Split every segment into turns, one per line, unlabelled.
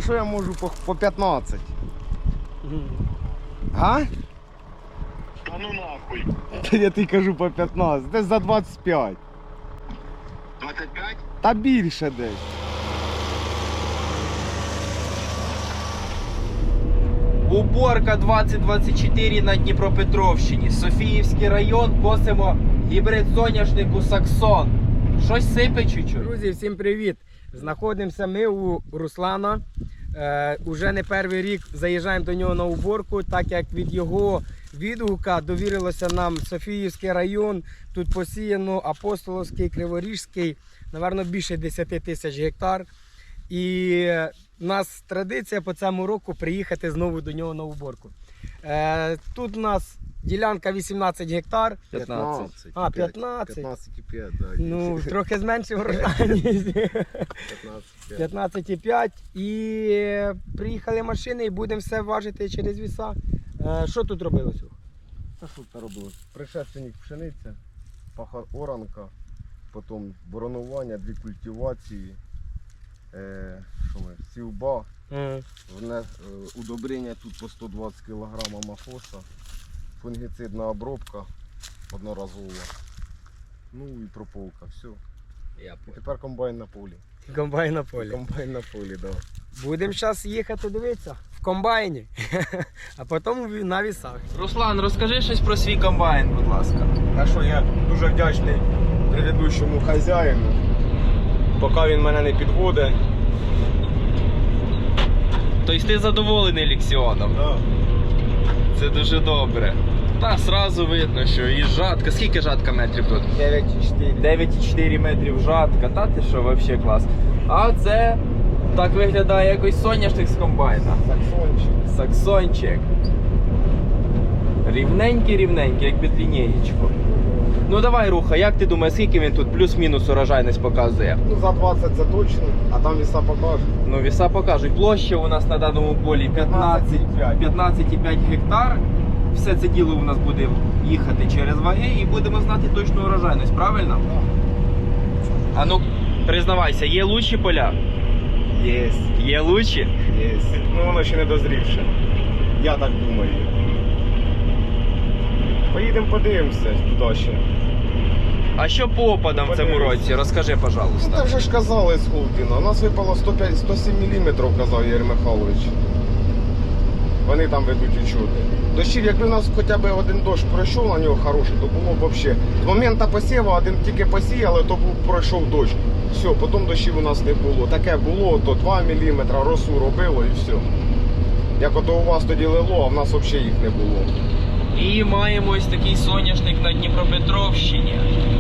що я можу по 15? А?
Та ну нахуй.
Я тобі кажу по 15, десь за 25.
25?
Та більше десь.
Уборка 2024 на Дніпропетровщині. Софіївський район, косимо гібрид соняшнику Саксон. Щось сипе чуть-чуть.
Друзі, всім привіт! Знаходимося ми у Руслана. Уже не перший рік заїжджаємо до нього на уборку, так як від його відгука довірилося нам Софіївський район. Тут посіяно Апостолівський, Криворіжський, напевно, більше 10 тисяч гектар. І у нас традиція по цьому року приїхати знову до нього на уборку. Тут у нас ділянка 18 гектар.
15.
А, 15.
15,5, да.
Ну, трохи зменшив врожайність. 15,5. І приїхали машини і будемо все важити через віса. Що тут робилося?
А що це робилось? Предшественник пшениця, оранка, потім боронування, дві культивації, сівба, удобрення тут по 120 кг мафоса, фунгіцидна обробка одноразова, ну і прополка, все. І тепер комбайн на полі.
Комбайн на полі.
Комбайн на полі, так. Да.
Будемо зараз їхати дивитися в комбайні, а потім на вісах.
Руслан, розкажи щось про свій комбайн, будь ласка.
А що, я дуже вдячний предыдущому хазяїну, поки він мене не підводить.
Тобто ти задоволений Лексіоном?
Да.
Це дуже добре. Та сразу видно, що і жатка. Скільки жатка метрів тут?
9,4.
9,4 метрів жатка. Та ти що, взагалі клас. А це так виглядає якось соняшник з комбайна.
Саксончик.
Саксончик. Рівненький, як під лінієчку. Ну давай, Руха, як ти думаєш, скільки він тут плюс-мінус урожайність показує?
Ну за 20 це точно, а там віса покажуть.
Ну, віса покажуть. Площа у нас на даному полі 15,5 гектар. Все це діло у нас буде їхати через ваги і будемо знати точну урожайність, правильно?
Так.
А ну, признавайся, є лучші поля?
Єсть.
Є лучші?
Єсть. Ну воно ще не дозрівше. Я так думаю. Поїдемо подивимося туди ще.
А що по опадам в цьому році? Розкажи,
Ну
пожалуйста.
так вже ж казали з Холдіна. У нас випало 107 мм, казав Ігор Михайлович. Вони там ведуть учоти. Дощів, якби у нас хоча б один дощ пройшов на нього хороший, то було б взагалі. З моменту посіву один тільки посіяли, то пройшов дощ. Все, потім дощів у нас не було. Таке було, то 2 мм, росу робило і все. Як ото у вас тоді лило, а в нас взагалі їх не було.
І маємо ось такий соняшник на Дніпропетровщині.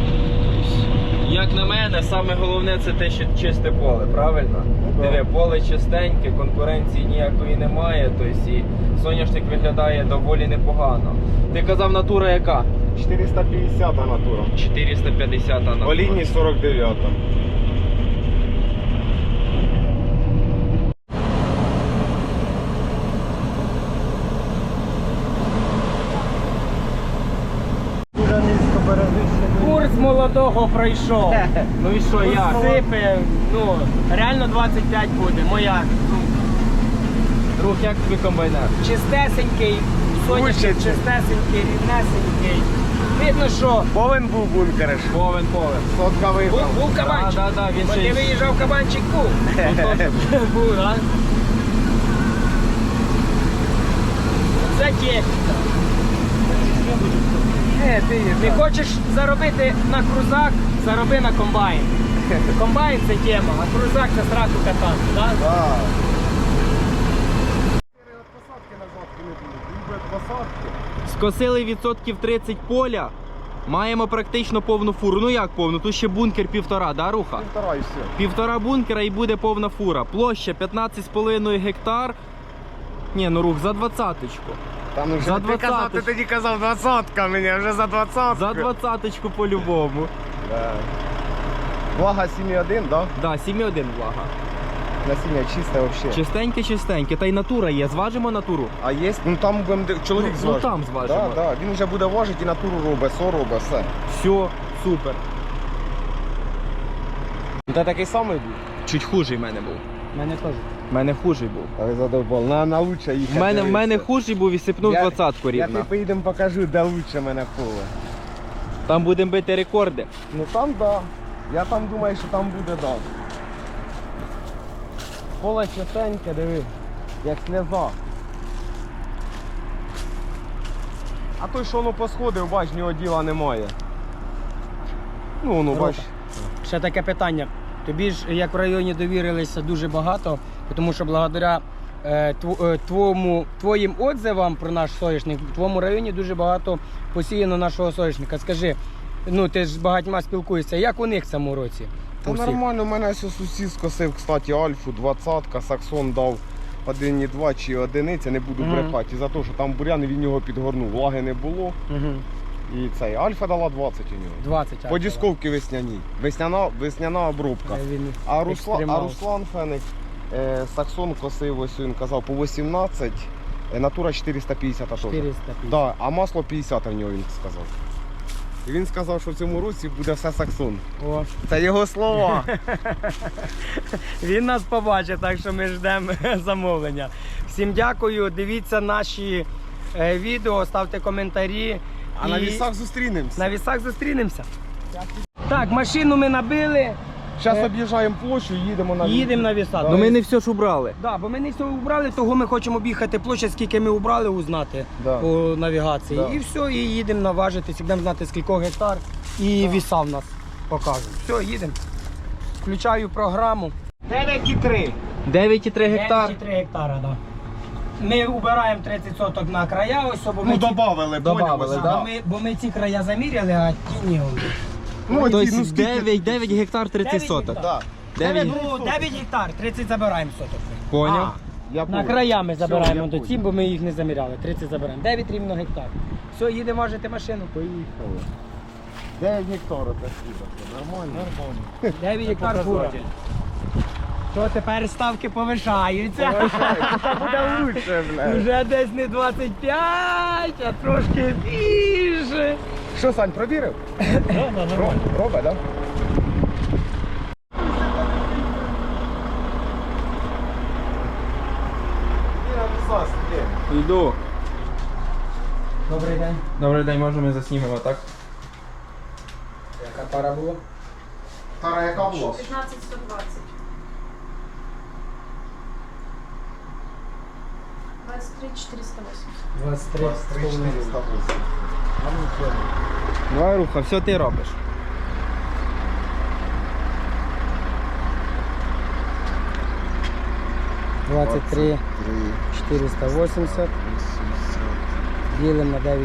Як на мене, саме головне це те, що чисте поле, правильно?
Да.
Диви, поле чистеньке, конкуренції ніякої немає, тобто і соняшник виглядає доволі непогано. Ти казав, натура яка?
450 натура.
450 натура.
По лінії 49. Дуже низько бережися.
Курс молодого пройшов.
Ну і що, як?
Сипе, ну, реально 25 буде, моя думка.
Друг, як тобі комбайнер?
Чистесенький, соняшник
Учиться.
чистесенький, рівнесенький. Видно, що
Повен був бункериш.
Повен.
Сотка виграв.
був кабанчик.
Да, він
Бо
ще
ти
й-
виїжджав, кабанчик був. Був, а? Це техніка. Ти хочеш заробити на крузак, зароби на комбайн. Комбайн це тема, а крузак це зразу катати, так?
Да. Посадки назад не будуть. Він без посадки.
Скосили відсотків 30 поля. Маємо практично повну фуру. Ну як повну? Тут ще бункер 1,5, да, Руха?
Півтора і все.
1,5 бункера і буде повна фура. Площа 15,5 гектар. Ні, ну Рух, за 20-очку.
Там вже
За
ти казав,
20-ку.
ти тоді казав 20-ка мені, вже за 20-ку.
За 20-очку по-любому.
Да. Влага 7,1, да?
Да, 7,1 влага.
Насіння чисте взагалі.
Чистеньке, та й натура є. Зважимо натуру.
А є? Ну там будемо чоловік
Ну,
зважить.
там зважимо.
Да, да. Він вже буде важити і натуру робить, со робить, все.
Все, супер.
Та такий самий був?
Чуть хужий в мене був.
Мене теж.
У мене хужий був.
Але задовбав. На лучше їхати.
В мене хужий був і сипнув
Я-
20-ку
Я
рівно.
тобі поїдемо покажу, де лучше мене поле.
Там будемо бити рекорди.
Ну там да. Я там думаю, що там буде да. Поле чистеньке, диви, як сльоза. А той, що воно посходив, бач, в нього діла немає. Ну, воно, бач.
Ще таке питання. Тобі ж, як в районі, довірилися дуже багато, тому що благодаря твоїм отзивам про наш соняшник, в твоєму районі дуже багато посіяно нашого соняшника. Скажи, ну ти ж з багатьма спілкуєшся, як у них в цьому році?
Та
У всіх?
нормально, у мене ось сусід скосив, кстати, Альфу 20-ка, Саксон дав 1,2 чи одиниця, не буду
Мгм.
брехати, за те, що там бурян, він його підгорнув, влаги не було.
Мгм.
І цей Альфа дала 20 у нього.
20.
По дісковці весняній. Весняна обробка.
Він
А
екстремал.
Руслан Феник Саксон косив, ось він казав, по 18, натура 450 теж.
450.
Да, а масло 50 в нього він сказав. І він сказав, що в цьому році буде все Саксон.
О.
Це його слова.
Він нас побачить, так що ми ждемо замовлення. Всім дякую, дивіться наші відео, ставте коментарі.
А на
І
вісах зустрінемося.
на вісах зустрінемося. Так, машину ми набили,
Зараз об'їжджаємо площу, їдемо на
їдемо на віса.
Ну ми не все ж убрали.
Да, бо ми не все убрали, того ми хочемо об'їхати площадь, скільки ми убрали, узнати
Да.
по навігації.
Да.
І все, і їдемо наважитись, будемо знати, скільки гектар, і віса в нас покажуть. Все, їдемо. Включаю програму. 9,3.
9,3 гектар.
9,3 гектара, да. Ми убираємо 30 соток на края, ось бо ми,
Ну, добавили,
Добавили,
поняли,
да?
бо ми ці края заміряли, а ті ні.
Ну,
Тобто
ті, ну, скільки?
9 гектар 30
9
соток.
гектар.
Да.
9.
Ну, 9 гектар, 30 забираємо соток.
Поняв.
Я
На
понял.
края ми
Все,
забираємо
я
до
понял.
ці, бо ми їх не заміряли. 30 забираємо. 9 рівно гектар. Все, їдемо важити машину.
Поїхали. 9 гектарів це нормально. Нормально.
9 гектар фура. То тепер ставки повишаються.
Це буде лучше, блядь.
Уже десь не 25, а трошки більше.
Що, Сань, провірив? Робить, так?
Йду.
Добрий день.
Добрий день, може ми заснімемо, так?
Яка пара була?
Тара, яка була?
15-120. 23-480.
23.
408.
Давай, Руха, все ти робиш.
— 23 480 ділимо на 9,5.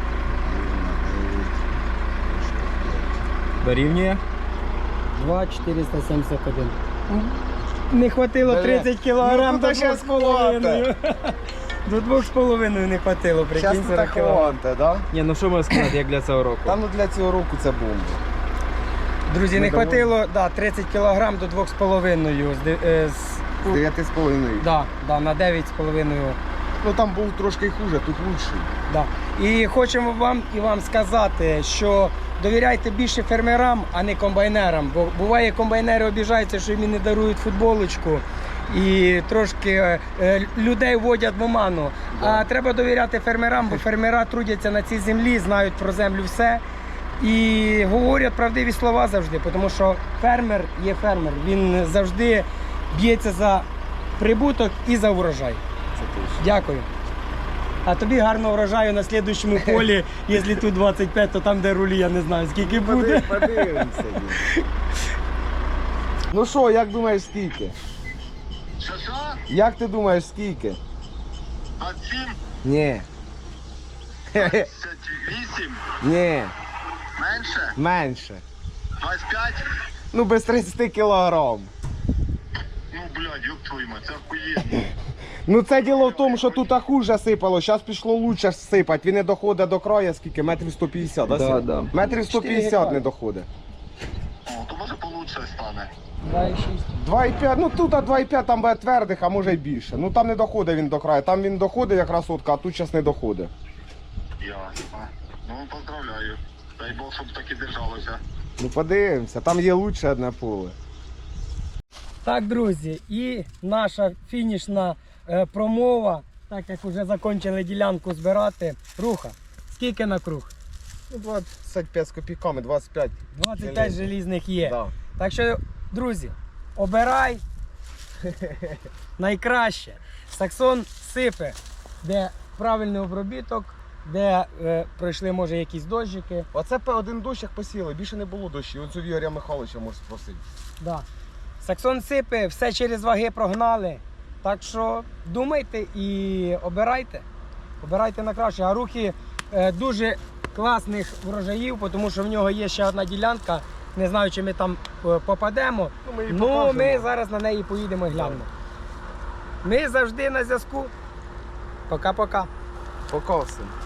Дорівнює?
2 471. Не хватило 30 кілограм
Ну,
до
тут щас
2,5. До 2,5 не хватило,
Зараз
прикинь,
тут
40
так
кілограм.
хванте, да?
Ні, ну що можна сказати, як для цього року?
Та ну для цього року це бомба.
Друзі,
Ми
не
доволі.
хватило 30 кілограм до 2,5.
З 9,5.
Да, на 9,5.
Ну там був трошки хуже, тут лучший.
Да. І хочемо вам сказати, що довіряйте більше фермерам, а не комбайнерам. Бо буває, комбайнери обіжаються, що їм не дарують футболочку. І трошки людей вводять в оману. А треба довіряти фермерам, бо фермера трудяться на цій землі, знають про землю все. І говорять правдиві слова завжди, тому що фермер є фермер. Він завжди б'ється за прибуток і за урожай.
Це точно.
Дякую. А тобі гарного врожаю на слідуючому полі, якщо тут 25, то там, де рулі, я не знаю, скільки буде.
Подивимося. Ну що, як думаєш, скільки?
Що?
Як ти думаєш, скільки?
27,
Ні.
58,
Ні,
менше,
менше.
25.
Ну без 30 кілограм.
Ну, блядь, ёб твою мать, це охуєнно.
Ну це діло в тому, що тут хуже сипало, зараз пішло лучше сипати. Він не доходить до краю, скільки? Метрів 150, да?
Да,
Сім?
да.
Метрів
4
150 не доходить.
О, то може получше стане.
2,6.
2,5, ну тут 2,5 там буде твердих, а може й більше. Ну там не доходить він до краю, там він доходить якраз сотка, а тут зараз не доходить.
Ясно. Ну, поздравляю. Дай Бог, щоб так і держалося.
Ну подивимося, там є лучше одне поле.
Так, друзі, і наша фінішна промова, так як вже закінчили ділянку збирати. Руха, скільки на круг?
Ну, 25 з копійками, 25.
25 желізних є.
Да.
Так що, друзі, обирай найкраще. Саксон сипе, де правильний обробіток, де пройшли, може, якісь дощики.
Оце один дощ як посіяли, більше не було дощів. Оцю Ігоря Михайловича можеш спросити.
Да. Саксон сипе, все через ваги прогнали. Так що думайте і обирайте. Обирайте на краще. А Рухи дуже класних врожаїв, тому що в нього є ще одна ділянка. Не знаю, чи ми там попадемо.
Ну, ми її
Ну,
покажемо.
ми зараз на неї поїдемо і глянемо. Ми завжди на зв'язку. Пока-пока.
Пока всім.